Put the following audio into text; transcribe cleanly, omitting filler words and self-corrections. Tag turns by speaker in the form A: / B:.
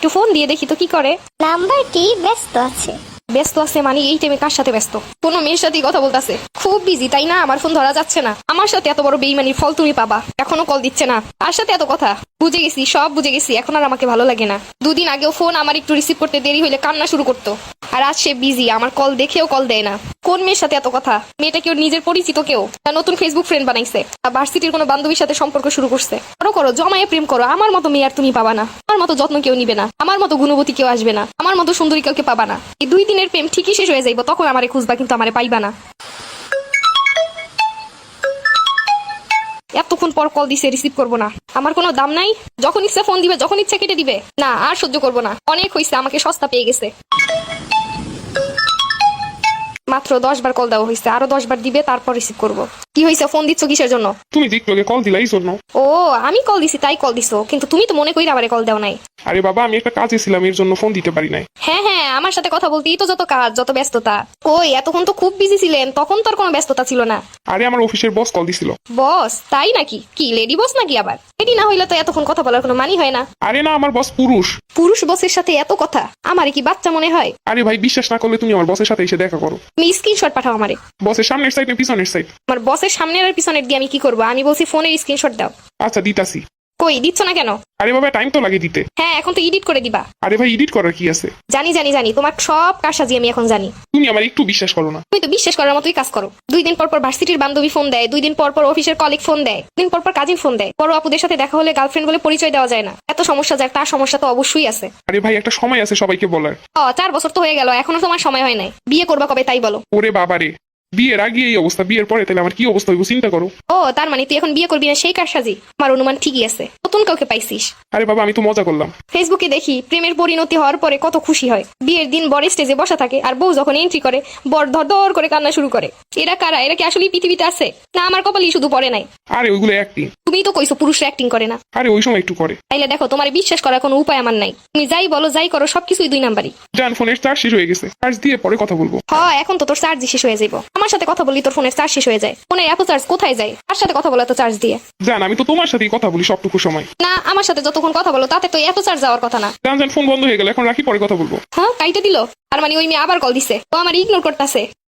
A: একটু ফোন দিয়ে দেখি তো কি করে।
B: নাম্বারটি ব্যস্ত আছে।
A: ব্যস্ত আছে মানে এই টাইমে কার সাথে ব্যস্ত? কোনো মেয়ের সাথেই কথা বলতেছে। খুব বিজি তাই না? আমার ফোন ধরা যাচ্ছে না। আমার সাথে এত বড় বেইমানির ফল তুমি পাবা। এখনো কল দিচ্ছে না। তার সাথে এত কথা। বুঝে গেছি, সব বুঝে গেছি। এখন আর আমাকে ভালো লাগে না। দুদিন আগেও ফোন আমার একটু রিসিভ করতে দেরি হইলে কান্না শুরু করতো। আর আজ সে বিজি, আমার কল দেখেও কল দেয় না। কোন মেয়ের সাথে এত কথা? মেয়েটা কেউ নিজের পরিচিত কেউ? নতুন ফেসবুক ফ্রেন্ড বানাইছে? ভার্সিটির কোনো বান্ধবীর সাথে সম্পর্ক শুরু করছে? করো করো, জমায়ে প্রেম করো। আমার মতো মেয়ে আর তুমি পাবা না। আমার মতো যত্ন কেউ নিবে না। আমার মতো গুণবতী কেউ আসবে না। আমার মতো সুন্দরী কাউকে পাবা না। এই 2 দিনের প্রেম ঠিকই শেষ হয়ে যাইব, তখন আমারে খুঁজবা, কিন্তু আমারে পাইবা না। এতক্ষণ পর কল দিছে, রিসিভ করবো না। আমার কোনো দাম নাই? যখন ইচ্ছা ফোন দিবে, যখন ইচ্ছা কেটে দিবে। না, আর সহ্য করবো না। অনেক হয়েছে, আমাকে সস্তা পেয়ে গেছে। মাত্র 10 বার কল দেওয়া হয়েছে, আরো 10 বার দিবে, তারপর রিসিভ করবো। কি হয়েছে? ফোন দিচ্ছ কিসের জন্য?
C: তুমি দিকলোকে কল দিলা এই জন্য।
A: ও, আমি কল দিছি তাই কল দিছো, কিন্তু তুমি তো মনে করি আবার কল দেও নাই।
C: আরে বাবা, আমি একটা কাজে ছিলাম, এর জন্য ফোন দিতে পারি নাই।
A: হ্যাঁ হ্যাঁ, আমার সাথে কথা বলতেই তো যত কাজ, যত ব্যস্ততা। ওই এতক্ষণ তো খুব বিজি ছিলেন, তখন তো আর কোনো ব্যস্ততা ছিল না।
C: আরে আমার অফিসের বস কল দিছিল।
A: বস? তাই নাকি? কি লেডি বস নাকি আবার? লেডি না হইলে তো এতক্ষণ কথা বলার কোনো মানি হয় না।
C: আরে না, আমার বস পুরুষ।
A: পুরুষ বসের সাথে এত কথা? আমারে কি বাচ্চা মনে হয়?
C: আরে ভাই, বিশ্বাস না করলে তুমি আমার বসের সাথে এসে দেখা করো।
A: তুমি স্ক্রিনশট পাঠাও আমারে।
C: বসের সামনের সাইড না পিছনের সাইড?
A: আমার বসের সামনের আর পিছনের দিয়ে আমি কি করবো? আমি বলছি ফোনের স্ক্রিনশট দাও।
C: আচ্ছা দিতাছি।
A: কই দিচ্ছ না কেন?
C: আরে বাবা, টাইম তো লাগে দিতে।
A: হ্যাঁ, এখন তো এডিট করে দিবা।
C: আরে ভাই, এডিট করার কি আছে?
A: জানি জানি জানি, তোমার সব কারসাজি আমি এখন জানি।
C: তুমি আমার একটু বিশ্বাস করো না।
A: তুমি তো বিশ্বাস করার মতোই কাজ করো। 2 দিন পর পর ভার্সিটির বান্ধবী ফোন দেয়, 2 দিন পর পর অফিসের কলিগ ফোন দেয়, 2 দিন পর পর কাজিন ফোন দেয়। বড় আপুদের সাথে দেখা হলে গার্লফ্রেন্ড বলে পরিচয় দেওয়া যায় না। এত সমস্যা যার, তার সমস্যা তো অবশ্যই আছে।
C: আরে ভাই, একটা সময় আছে সবাইকে বলার।
A: 4 বছর তো হয়ে গেল, এখনো তোমার সময় হয় নাই। বিয়ে করবা কবে তাই বলো?
C: ওরে বাবা রে, বিয়ের আগে এই অবস্থা, বিয়ের পরে তাহলে আমার কি অবস্থা হইব চিন্তা করো।
A: ও, তার মানে তুই এখন বিয়ে করবি না সেই কারসাজি? আমার অনুমান ঠিকই আছে, নতুন কাউকে পাইছিস।
C: আরে বাবা, আমি তো মজা করলাম।
A: ফেসবুকে দেখি প্রেমের পরিণতি হওয়ার পরে কত খুশি হয়। বিয়ের দিন বর স্টেজে বসা থাকে, আর বউ যখন এন্ট্রি করে বর ধর ধর করে কান্না শুরু করে। এরা কারা? এরা কি আসলেই পৃথিবীতে আছে, না আমার কপালই শুধু পড়ে নাই?
C: আরে ওইগুলো অ্যাক্টিং।
A: তুমিই তো কইছো পুরুষরা অ্যাক্টিং করে না।
C: আরে ওই সময় একটু করে।
A: তাইলে দেখো, তোমার বিশ্বাস করার কোনো উপায় আমার নাই। তুমি যাই বলো যাই করো, সবকিছুই 2 নাম্বারই।
C: জান, ফোনের চার্জ শেষ হয়ে গেছে, চার্জ দিয়ে পরে কথা বলবো।
A: হ্যাঁ, এখন তো তোর চার্জ শেষ হয়ে যাইব। আমার সাথে কথা বলি তোর ফোনের চার্জ শেষ হয়ে যায়। ফোনের এত চার্জ কোথায় যায়? আর সাথে কথা বলো এত চার্জ দিয়ে?
C: জান, আমি তো তোমার সাথেই কথা বলি সবটুকু সময়।
A: না, আমার সাথে যতক্ষণ কথা বলো তাতে তো এত চার্জ যাওয়ার কথা না।
C: জান জান, ফোন বন্ধ হয়ে গেল, এখন রাখি, পরে কথা বলবো।
A: হ্যাঁ, কাইটে দিল। আর মানে ওই মেয়ে আবার কল দিছে, ও আমার ইগনোর করতেছে।